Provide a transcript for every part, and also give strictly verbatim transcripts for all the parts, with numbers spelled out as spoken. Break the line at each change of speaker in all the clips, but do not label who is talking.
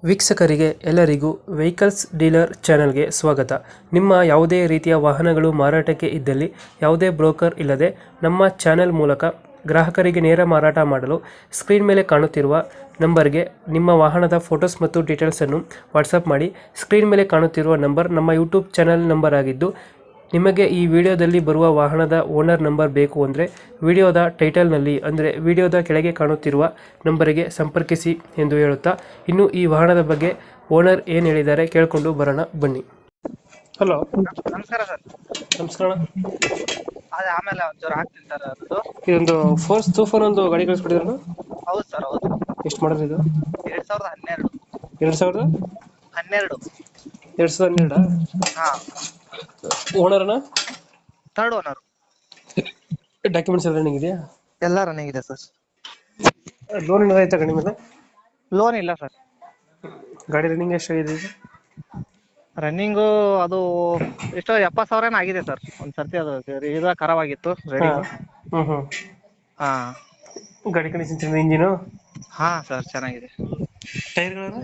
ವೀಕ್ಷಕರಿಗೆ ಎಲ್ಲರಿಗೂ vehicles dealer ಚಾನೆಲ್ಗೆ ಸ್ವಾಗತ. ನಿಮ್ಮ ಯಾವುದೇ ರೀತಿಯ ವಾಹನಗಳು ಮಾರಾಟಕ್ಕೆ ಇದ್ದಲ್ಲಿ ಯಾವುದೇ ಬ್ರೋಕರ್ ಇಲ್ಲದೆ ನಮ್ಮ ಚಾನೆಲ್ ಮೂಲಕ ಗ್ರಾಹಕರಿಗೆ ನೇರ ಮಾರಾಟ ಮಾಡಲು ಸ್ಕ್ರೀನ್ ಮೇಲೆ ಕಾಣುತ್ತಿರುವ ನಂಬರ್ಗೆ ನಿಮ್ಮ ವಾಹನದ ಫೋಟೋಸ್ ಮತ್ತು ಡೀಟೇಲ್ಸನ್ನು ವಾಟ್ಸಪ್ ಮಾಡಿ. ಸ್ಕ್ರೀನ್ ಮೇಲೆ ಕಾಣುತ್ತಿರುವ ನಂಬರ್ ನಮ್ಮ ಯೂಟ್ಯೂಬ್ ಚಾನೆಲ್ ನಂಬರ್ ಆಗಿದ್ದು, ನಿಮಗೆ ಈ ವಿಡಿಯೋದಲ್ಲಿ ಬರುವ ವಾಹನದ ಓನರ್ ನಂಬರ್ ಬೇಕು ಅಂದರೆ ವಿಡಿಯೋದ ಟೈಟಲ್ನಲ್ಲಿ ಅಂದರೆ ವಿಡಿಯೋದ ಕೆಳಗೆ ಕಾಣುತ್ತಿರುವ ನಂಬರಿಗೆ ಸಂಪರ್ಕಿಸಿ ಎಂದು ಹೇಳುತ್ತಾ, ಇನ್ನು ಈ ವಾಹನದ ಬಗ್ಗೆ ಓನರ್ ಏನು ಹೇಳಿದ್ದಾರೆ ಕೇಳಿಕೊಂಡು ಬರೋಣ ಬನ್ನಿ. ಹಲೋ,
ನಮಸ್ಕಾರ ಸರ್.
ನಮಸ್ಕಾರ.
ಅದೇ ಆಮೇಲೆ ಒಂಚೂರು ಹಾಕ್ತೀನಿ ಸರ್. ಅದು
ಇದೊಂದು ಫೋರ್ಸ್ ತೂಫಾನ್ ಒಂದು ಗಾಡಿ ಕಳಿಸ್ಬಿಟ್ಟಿದ್ರು.
ಹೌದು ಸರ್, ಹೌದು.
ಎಷ್ಟು ಮಾಡೋದು ಇದು?
ಎರಡ್ ಸಾವಿರದ ಹನ್ನೆರಡು
ಎರಡು ಸಾವಿರದ
ಹನ್ನೆರಡು
ಎರಡು ಸಾವಿರದ ಹನ್ನೆರಡಾ?
ಹಾ,
ಓನರ್ನ
ಥರ್ಡ್ ಓನರ್.
ಡಾಕ್ಯುಮೆಂಟ್ಸ್ ಎಲ್ಲ ರನ್ನಿಂಗ್ ಇದೆಯಾ?
ಎಲ್ಲ ರನ್ನಿಂಗ್ ಇದೆ ಸರ್.
ಲೋನ್ ಏನಾದ್ರು ಆಯ್ತಾ ಗಾಡಿ ಮೇಲೆ?
ಲೋನ್ ಇಲ್ಲ ಸರ್.
ಗಾಡಿ ರನ್ನಿಂಗ್ ಎಷ್ಟಾಗಿದೆ ಇದು?
ರನ್ನಿಂಗು ಅದು ಎಷ್ಟೋ ಎಪ್ಪತ್ತು ಸಾವಿರ ಏನೋ ಆಗಿದೆ ಸರ್. ಒಂದ್ ಸರ್ತಿ ಅದು ಇದು ಖರಾಬ್ ಆಗಿತ್ತು ರೆಡಿಂಗ್.
ಹ್ಮ್ ಹ್ಮ್
ಹಾ
ಗಾಡಿ ಕಂಡೀಷನ್ ಚೆನ್ನಾಗಿದೆ, ಇಂಜಿನು?
ಹಾ ಸರ್, ಚೆನ್ನಾಗಿದೆ.
ಟೈರ್ಗಳನ್ನು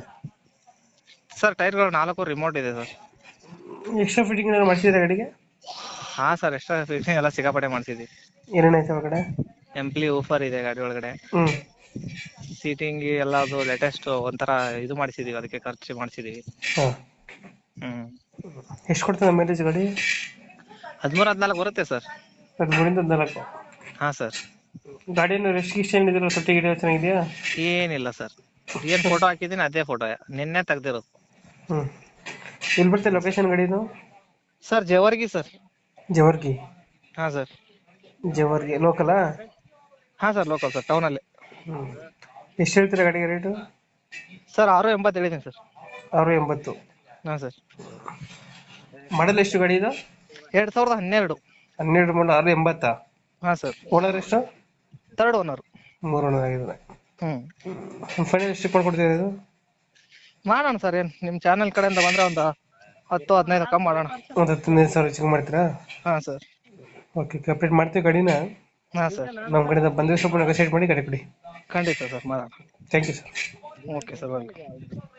ಸರ್ ಟೈರ್ಗಳು ನಾಲ್ಕು ರಿಮೋಟ್ ಇದೆ ಸರ್.
ಎಕ್ಸ್ಟ್ರಾ ಫಿಟ್ಟಿಂಗ್ ಏನಾದ್ರು ಮಾಡಿಸಿದ್ರೆ ಗಾಡಿಗೆ?
ಹಾ ಸರ್, ಎಕ್ಸ್ಟ್ರಾ ಫಿಟ್ಟಿಂಗ್ ಎಲ್ಲ ಸಿಕ್ಕಾಪಟ್ಟೆ ಮಾಡಿಸಿದ್ವಿ.
ಏನೇನಾಯ್ತು ಒಳಗಡೆ?
ಎಂಪ್ಲಿ ಊಫರ್ ಇದೆ ಗಾಡಿ ಒಳಗಡೆ.
ಹ್ಮ್
ಸೀಟಿಂಗ್ ಎಲ್ಲ ಅದು ಲೇಟೆಸ್ಟ್ ಒಂಥರ ಇದು ಮಾಡಿಸಿದೀವಿ, ಅದಕ್ಕೆ ಖರ್ಚು ಮಾಡಿಸಿದೀವಿ.
ಹಾ.
ಹ್ಮ್
ಎಷ್ಟು ಕೊಡ್ತದೆ ಮೈಲೇಜ್ ಗಾಡಿ?
ಹದಿಮೂರು ಹದಿನಾಲ್ಕು ಬರುತ್ತೆ ಸರ್.
ಹದಿಮೂರಿಂದ ಹದಿನಾಲ್ಕು?
ಹಾ ಸರ್.
ಗಾಡಿಯನ್ನು ರೆಸ್ಟ್ ಗಿಸ್ಟ್ ಏನಿದಿಲ್ಲ, ತೊಟ್ಟಿ ಗಿಡ ಚೆನ್ನಾಗಿದೆಯಾ?
ಏನಿಲ್ಲ ಸರ್, ಏನ್ ಫೋಟೋ ಹಾಕಿದೀನಿ ಅದೇ ಫೋಟೋ, ನಿನ್ನೆ ತೆಗ್ದಿರೋದು.
ಹ್ಮ್ ಎಲ್ಲಿ ಬರ್ತದೆ ಲೊಕೇಶನ್ ಗಾಡಿದು?
Sir Jewargi sir.
ಜವರ್ಗಿ?
ಹಾ ಸರ್.
ಜವರ್ಗಿ ಲೋಕಲಾ?
ಹಾ ಸರ್, ಲೋಕಲ್ ಸರ್, ಟೌನ್ ಅಲ್ಲಿ.
ಹ್ಮ್ ಎಷ್ಟು ಹೇಳ್ತೀರಾ ಗಾಡಿಗೆ ರೇಟು?
ಸರ್ ಆರು ಎಂಬತ್ತು ಹೇಳಿದ್ದೀನಿ ಸರ್.
ಆರು ಎಂಬತ್ತು?
ಹಾ ಸರ್.
ಮಾಡಲ್ ಎಷ್ಟು ಗಾಡಿ ಇದು?
ಎರಡ್ ಸಾವಿರದ ಹನ್ನೆರಡು.
ಹನ್ನೆರಡು ಮಾಡಲ್, ಆರು ಎಂಬತ್ತಾ?
ಹಾ ಸರ್.
ಓನರ್ ಎಷ್ಟು?
Third owner.
ಮೂರು ಓನರ್ ಆಗಿದ್ದಾರೆ.
ಹ್ಮ್
ಫೈನಲ್ ಎಷ್ಟು ಕೊಡ್ಕೊಡ್ತೀರಾ ಇದು?
ಮಾಡೋಣ ಸರ್, ಏನ್ ನಿಮ್ ಚಾನೆಲ್ ಕಡೆಯಿಂದ ಬಂದ್ರೆ ಒಂದು ಹತ್ತು ಹದಿನೈದು ಕಮ್ಮಿ ಮಾಡೋಣ.
ಒಂದು ಹತ್ತೊಂದೈದು ಸಾವಿರ ಚೆಕ್ ಮಾಡ್ತೀರಾ?
ಹಾ ಸರ್.
ಓಕೆ, ಕಂಪ್ಲೀಟ್ ಮಾಡ್ತೀವಿ ಗಾಡಿನ.
ಹಾ ಸರ್,
ನಮ್ಮ ಕಡೆಯಿಂದ ಬಂದರೆ ಸ್ವಲ್ಪ ನೆಗೋಸಿಯೇಟ್ ಮಾಡಿ ಗಾಡಿ ಕೊಡಿ.
ಖಂಡಿತ ಸರ್, ಮಾಡೋಣ.
Thank you sir.
Okay sir, welcome.